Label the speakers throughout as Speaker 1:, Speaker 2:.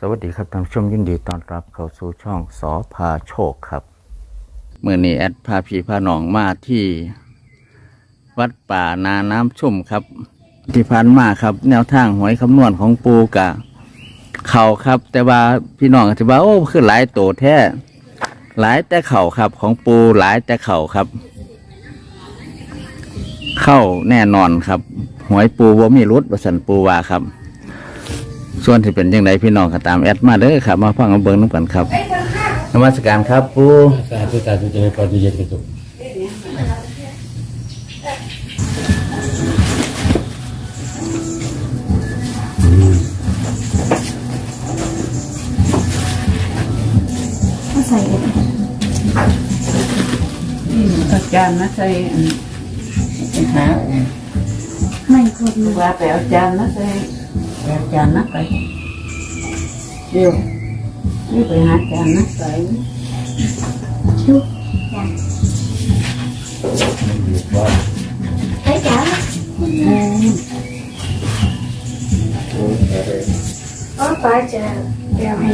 Speaker 1: สวัสดีครับท่านผู้ชมยินดีต้อนรับเข้าสู่ช่องสอพาโชคครับเมื่อนี้แอดพาพี่พาน้องมาที่วัดป่านาน้ำชุ่มครับที่ผ่านมาครับแนวทางหวยคำนวณของปูกะเข่าครับแต่ว่าพี่น้องอาจจะว่าโอ้คือหลายโตแท้หลายแต่เข่าครับของปูหลายแต่เข่าครับเข้าแน่นอนครับหวยปูว่ามีรุดประสันปูว่าครับส่วนที่เป็นยังไงพี่น้องก็ตามแอดมาเด้อครับมาฟังเบิ้งน้ำกันครับนมัสการครับปู
Speaker 2: สาธุสาธุเจริญพรเย็นเป็นสุข
Speaker 3: ใส่อาจารย์นะใส่หาไม่คนว่าไปอาจารย์นะใส่อาจารย์นะไปเดี๋ยวนี่ไปหาอาจารย์นะใส่ชุบไปจ้าอ๋อไปจ้าเดี๋ยวให้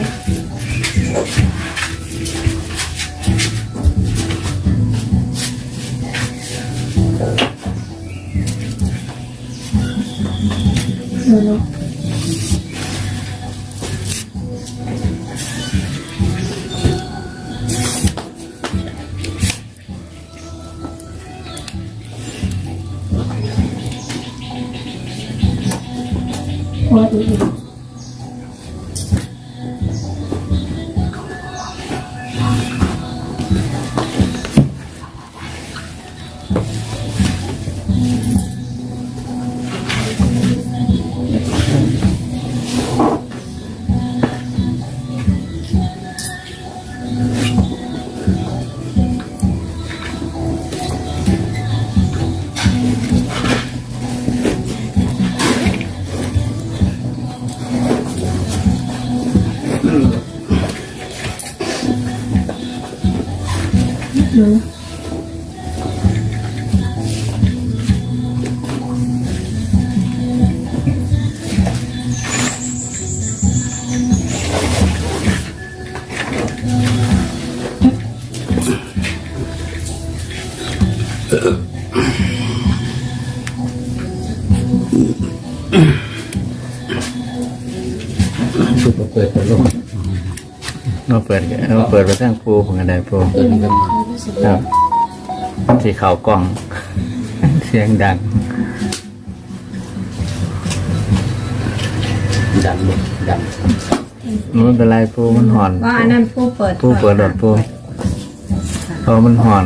Speaker 3: พอดี
Speaker 2: ชุดเปิดตัวลง
Speaker 1: เราเปิดไปทั้งปูของอะไรปูครับสีขาวกล้องเสียงดัง
Speaker 2: ดันดัน
Speaker 1: มันเป็นไรปูมันห่อน
Speaker 3: ว่าอันนั้นผู้เปิด
Speaker 1: หลอดปูเพราะมันห่อน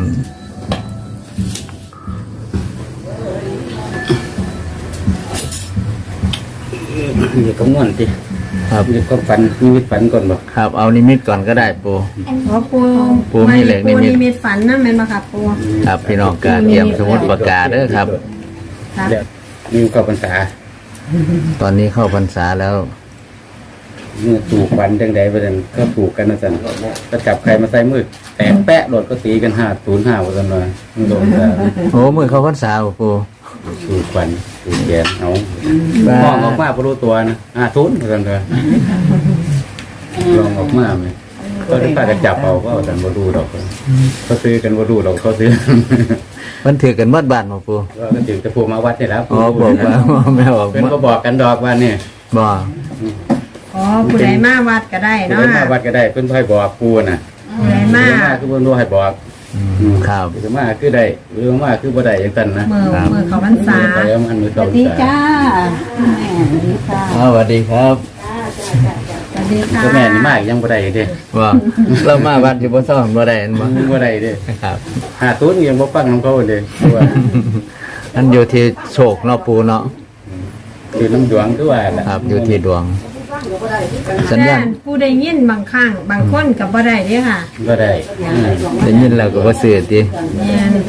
Speaker 2: เดี๋ยวก็ม่วนสิ
Speaker 1: ครับ
Speaker 2: เดี๋ยวก็ฝันนิมิตฝันก่อนบ่
Speaker 1: ครับเอานิมิตก่อนก็ได้ปู
Speaker 3: เพราะปู
Speaker 1: มีเหล็กนิมิต
Speaker 3: ฝันนั่นเป็นมาครับปู
Speaker 1: ครับพี่น้องการเตรียมสมุดปากกาเด้อครับ
Speaker 2: เดี๋ยวมีเข้าพรรษา
Speaker 1: ตอนนี้เข้าพรรษาแล้ว
Speaker 2: เมื่อถูกฝันจังใดไปนั่นก็ถูกกันนะสันก็จับใครมาใส่มือแตกแปะโดดก็ตีกัน505ว่าซั่นว่าโดนซะ
Speaker 1: โอ้มือเข้าพรรษาปู
Speaker 2: ถูกฝันถูกแกนเอามองออกมาบ่รู้ตัวนะทุนว่าซั่นว่าลองออกมามั้ยก็ได้ป้าก็จับเอาก็ซั่นบ่รู้ดอกเขาซื้อกันบ่รู้ดอกเขาซื้อ
Speaker 1: มันถือกันหมดบ้านบ่ปู
Speaker 2: ก็ถึงจะพูมาวัดนี่แล้ว
Speaker 1: อ๋อบอกว่าแม่บอก
Speaker 2: เป็นก็บอกกันดอกว่านี่
Speaker 1: บ่
Speaker 3: ผู้ใดมาวัดก็ได้เนาะ
Speaker 2: ผู้ใดมาวัดก็ได้เพิ่นให้บอกปูน่ะ
Speaker 3: ผู้ใดมา
Speaker 2: คือเพิ่นรู้ให้บอก
Speaker 1: ครับ
Speaker 2: หรือมาคือได้หรือมาคือบ่ได้จังซั่นนะ
Speaker 3: มือเขาพรรษา
Speaker 2: ไปเอามันมือเขาพรรษา
Speaker 3: สวัสดีจ้าแม่สวัสดีค่ะ
Speaker 1: สวัสดีครับ
Speaker 3: สวัสดีค่ะ
Speaker 2: แม่นี่มายังบ่ได้เด้
Speaker 1: ว่าเรามาวัดอยู่บ่ซ้อมบ่ได้
Speaker 2: บ่ได้เด้
Speaker 1: ครับ
Speaker 2: ตุ้นยังบ่ฟังนำเขาเด้ว่า
Speaker 1: อันอยู่ที่โชคเนาะปูเนาะ
Speaker 2: อยู่น้ำดวงคือว่าล่ะ
Speaker 1: ครับอยู่ที่ดวง
Speaker 3: สัญญาณผู้ได้ยินบางครั้งบางคนก็บ่ได้เด้ค่ะ
Speaker 2: บ่ได้
Speaker 1: ได้ยินแล้วก็บ่ซื้อติ
Speaker 3: แม่น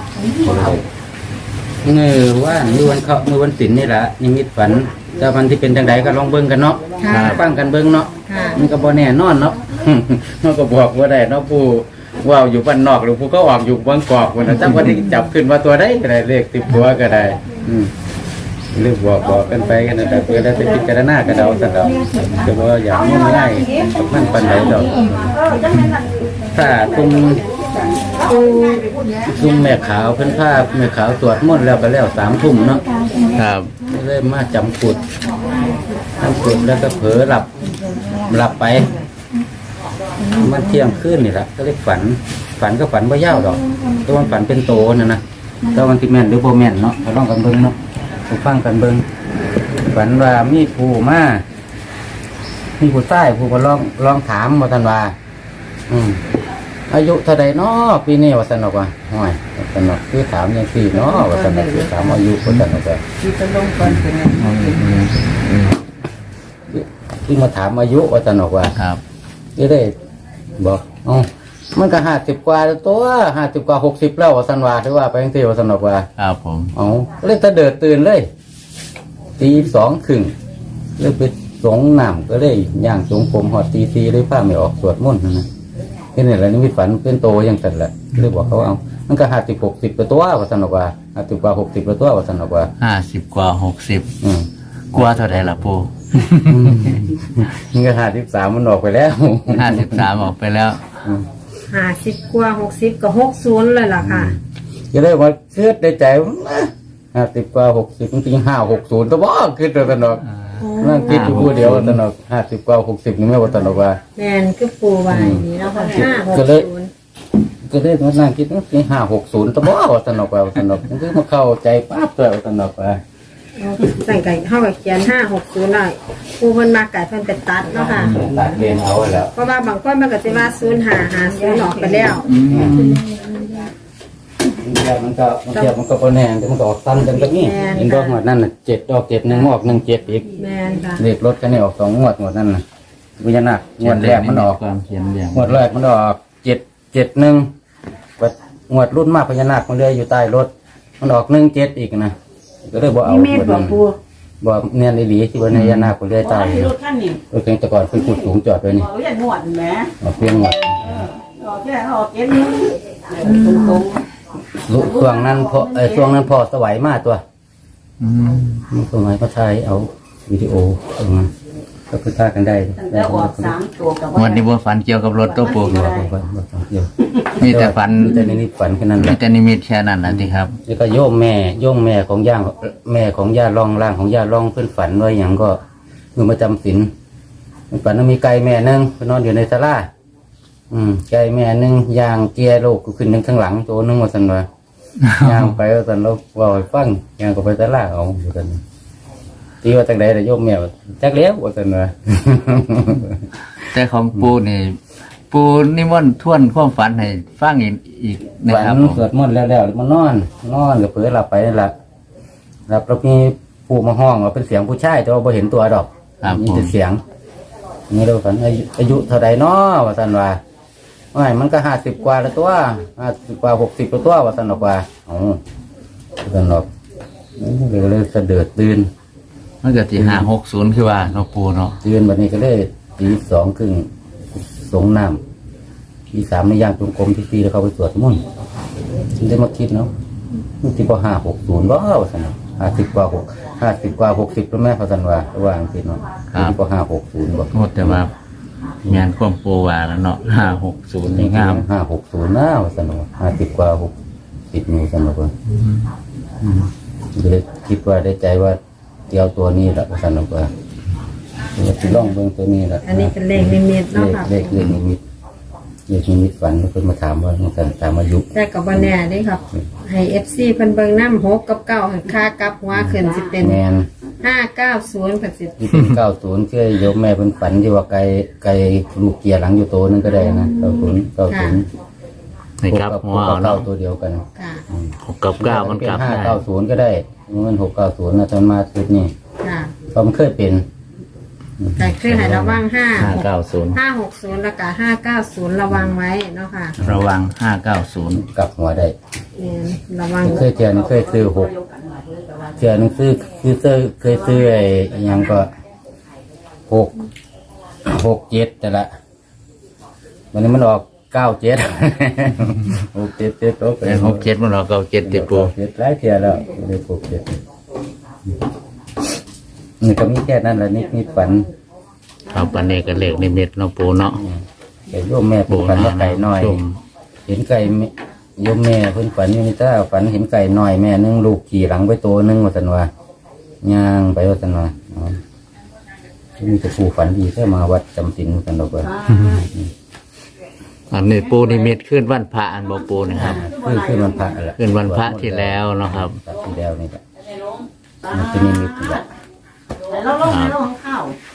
Speaker 2: ว่ามื้อวันศีลนี่ล่ะนิมิตฝัน แต่มันที่เป็นจังไดก็ลองเบิ่งกันเนาะฟังกันเบิ่งเนาะมันก็บ่แน่นอนเนาะมันก็บอกว่าได้เนาะผู้ว่าอยู่บ้านนอกหรือผู้ก็ออกอยู่บางกอกวันนั้นจังวันที่จับขึ้นมาตัวได้ก็ได้เลขติดตัวก็ได้เรื่องบอกกันไปกันแต่เพื่อได้ไปพิจารณากระเดาสักเราจะว่าอย่างนี้ง่ายกับมันปันไหนดอกถ้าตุ้มแม่ขาวเพิ่นผ้าแม่ขาวตรวจมนต์แล้วก็แล้ว3 ทุ่มเนาะ
Speaker 1: ครับ
Speaker 2: เริ่มมาจำกุดแล้วก็เผลอหลับไปมันเที่ยงคืนนี่แหละก็เลยฝันก็ฝันว่ายาวดอกแต่วันฝันเป็นโตนะแต่วันที่แม่นหรือโบแม่นเนาะเราลองกันเบิ้งเนาะฟังกันเบิ้งฝันว่ามีผู้ใต้ผู้มาลองถามว่าท่านว่าอายุเท่าใดเนาะปีนี้ว่าสนอกว่าห่วยว่าสนอกคือถามอย่างสี่เนาะว่าสนอกคือถามอายุว่าสนอกว่า
Speaker 3: ที่จะลงก่อนเป็นไง
Speaker 2: ที่มาถามอายุว่าสนอกว่า
Speaker 1: ครับ
Speaker 2: จะได้บอกมันก็50 กว่าแล้วตัว50 กว่า60แล้วว่าสันว่าถือว่าไปยังที่ว่าสนอกว่า
Speaker 1: ครับผม
Speaker 2: เลยตะเดิดตื่นเลยตี2 ครึ่งเลยไปสงน้ำก็เลยย่างสงผมหอดตี 4เลยผ้าไม่ออกสวดมนต์นะนี่แหละนิมิตฝันเป็นโตอย่างนั้นแหละเลยบอกเขามันก็50 60ตัวว่าสนอกว่า50 กว่า60ตัวว่าสนอกว่า
Speaker 1: 50 กว่า 60กว่าเท่าไหร่ล่ะปู
Speaker 2: นี่ก็53มันออกไปแล้ว
Speaker 1: 53ออกไปแล้ว
Speaker 4: 50 กว่า 60 ก็ 60เลยล่ะค่ะ
Speaker 2: ก็เลยว่าเกิดในใจ50 กว่า60จริง560ตัวบ่คิดตัวสนอกนั่งคิดอยู่ผู้เดียวสนอก50 กว่า60นี่ไม่ว่าสนอกว่า
Speaker 4: แม่นคือปูไว้นี่เนาะค่ะ560
Speaker 2: ก็เลยมานั่งคิดว่า560ตัวบ่สนอกว่าสนอกมันคือมาเข้าใจปั๊บตัวสนอกว่า
Speaker 4: สั่งไก่เฮาก็เขียน560ได้ปูเพิ่นมาไก่เพิ่นเป็นตัดเนาะค่ะ
Speaker 2: ตัดเรียนเอาไว้แล้ว
Speaker 4: เพราะว่าบางคนมันก็สิว่า0550ออกไปแล้ว
Speaker 2: มันก็พอแน่แต่มันก็ออกสั้นจังก็นี่เห็นดอกงวดนั่นน่ะ7ออก7 1ออก1 7อีก
Speaker 4: แม่นค่ะ
Speaker 2: เลขรถคันนี้ออก2 งวดนั่นน่ะวิญญาณักงวดแรกมันออก
Speaker 1: ความเขียนเรียง
Speaker 2: งวดแรกมันออก771บัดงวดรุ่นมากพญานาคมันเลื่อยอยู่ใต้รถมันออก17อีกนะก็เลยบ่เอา
Speaker 3: นี่เมฆบอกปู
Speaker 2: บ่เนียนอีหลีที่ว่าพญานาคมันเลื่อยใต้
Speaker 3: รถขั้นนี่
Speaker 2: รถเก่งแต่ก่อนเป็นขุดสูงจอดไว้นี่
Speaker 3: บอกว่าอย่าหนวดแหม
Speaker 2: เอาเพียงงวด
Speaker 3: ออกแค่ออกเก็บนึงตรง
Speaker 2: ช่วงนั้นพอสวัยมากตัวมันสมัยพระชายเอาวิดีโอตรงนั้นก็คือท่ากันได้
Speaker 3: ๆแล้วออก3 ตัวกับ
Speaker 1: วันนี้บ่ฝันเกี่ยวกับรถตัวปู
Speaker 2: เดียว
Speaker 1: มีแต่ฝัน
Speaker 2: แต่นี่ฝันแค่นั้นแห
Speaker 1: มี
Speaker 2: ละ
Speaker 1: แต่นิมิตแค่นั้นนะที่ครับ
Speaker 2: แล้วก็โยมแม่ของย่างแม่ของย่าร่องร่างของย่าร่องเพื่อนฝันไว้อย่างก็มือมาจำศีลฝันว่ามีไก่แม่นึงไปนอนอยู่ในศาลาไก่แม่นึงย่างเกียร์โลกขึ้นนึงข้างหลังตัวนึงว่าสันว่า ย่างไปว่าสันเราว่าให้ฟังย่างก็ไปศาลาเอาว่าสันตีว่าจังใดแต่โยมแม่จักเลี้ยวว่าสันว่า
Speaker 1: แต่ของปูนี่ปูนิมนต์ทวนความฝันให้ฟังอีกนะ
Speaker 2: ฝัน
Speaker 1: ครับผม
Speaker 2: สวดมนต์แล้วมันนอนกับเพื่อหลับไปนั่นแหละหลับแล้วมีผู้มาห้องว่าเป็นเสียงผู้ชายแต่ว่าบ่เห็นตัวดอก
Speaker 1: ครับ
Speaker 2: มี
Speaker 1: ผม
Speaker 2: แต่เสียงนี่เราฝันอายุเท่าใดน้อว่าสันว่าไม่มันก็50 กว่าแล้วตัว50 กว่า60แล้วตัวว่าสันบอกว่าสันบอกเลยสะเดือดตื่น
Speaker 1: มันเกิดที่560คือว่าเนาะปูเนาะ
Speaker 2: ตื่นวันนี้ก็เลยตี2 ครึ่งสงน้ำตี3ในย่างจงกรมที่4แล้วเขาไปสวดมนต์ฉันได้มาคิดเนาะมันที่พอ560ว่าสัน50 กว่า60แล้วแม่เขาสันว่าอังกฤษเนาะที่พอ560บอก
Speaker 1: โอ้แต่ว่าแม่นความปูว่าแล้วเนาะ560นี่งาม
Speaker 2: 560นะว่าสันว่า50 กว่า60นี่สันว่าเลยคิดว่าได้ใจว่าเกี่ยวตัวนี้แหละว่าสันว่าเราจะล่องเบื้องตัวนี้แหละ
Speaker 4: อันนี้เป็นเลขนิมิตเนาะค่ะ
Speaker 2: เลขนิมิตฝันเพิ่นมาถามว่ามันถามอายุ
Speaker 4: แต่ก็บ่แน่เด้ครับ ให้ FC เพิ่นเบิ่งนำ6กับ9ให้ค่ากลับหัวขึ้นสิเป็น
Speaker 2: แมน
Speaker 4: 590ก็สิ
Speaker 2: ที่เป็น90คือโยมแม่เพิ่นฝันที่ว่าไก่ลูกเกียร์หลังอยู่โตนึงก็ได้นะ90
Speaker 1: นี่ครับหัวเอา
Speaker 2: เก้า
Speaker 1: เนาะ
Speaker 2: ตัวเดียวกัน
Speaker 4: ค่ะ
Speaker 1: 6กับ9มันกลับได้
Speaker 2: 590ก็ได้มัน690นะตอนมาชุดนี้
Speaker 4: ค่ะ
Speaker 2: เพราะมันเคยเป็น
Speaker 4: แต่คือให้ระวัง
Speaker 1: 590
Speaker 4: 560แล้วก็590ระวังไว้เนาะค่ะ
Speaker 1: ระวัง590
Speaker 2: กลับหัวได้
Speaker 4: ระวัง
Speaker 2: เคยเจอเคยซื้อ6เจอหนังซื้อเคยซื้อไอ้ยังก็667แต่ละวันนี้มันออก97 677ตัว
Speaker 1: แต่67มันเราก็7ติดปู
Speaker 2: 7หลายเที่ยแล้วเลย67 นี่ก็มีแค่นั้นแหละนิดฝัน
Speaker 1: ครับอันนี้ก็เลขนิมิตเนาะปูเนาะ
Speaker 2: แต่โยมแม่เพิ่นฝันว่าไก่น้อย
Speaker 1: ชม
Speaker 2: เห็นไก่โยมแม่เพิ่นฝันอยู่นี่ถ้าฝันเห็นไก่น้อยแม่นึงลูกขี่หลังไปตัวนึงว่าซั่นว่าย่างไปว่าซั่นว่าอ๋อมีแต่ผู้ฝันดีแค่มาวัดจำศีลกันดอกว่า
Speaker 1: อันนี้ปูนิมิตขึ้นวันพระอันบ่ปูนะครับ
Speaker 2: ขึ้นวันพระแหละ
Speaker 1: ขึ้นวันพระที่แล้วเนาะครับ
Speaker 2: ที่แล้วนี่แหละมันจะมีมิตรแหละ
Speaker 3: แล้วลงข้าว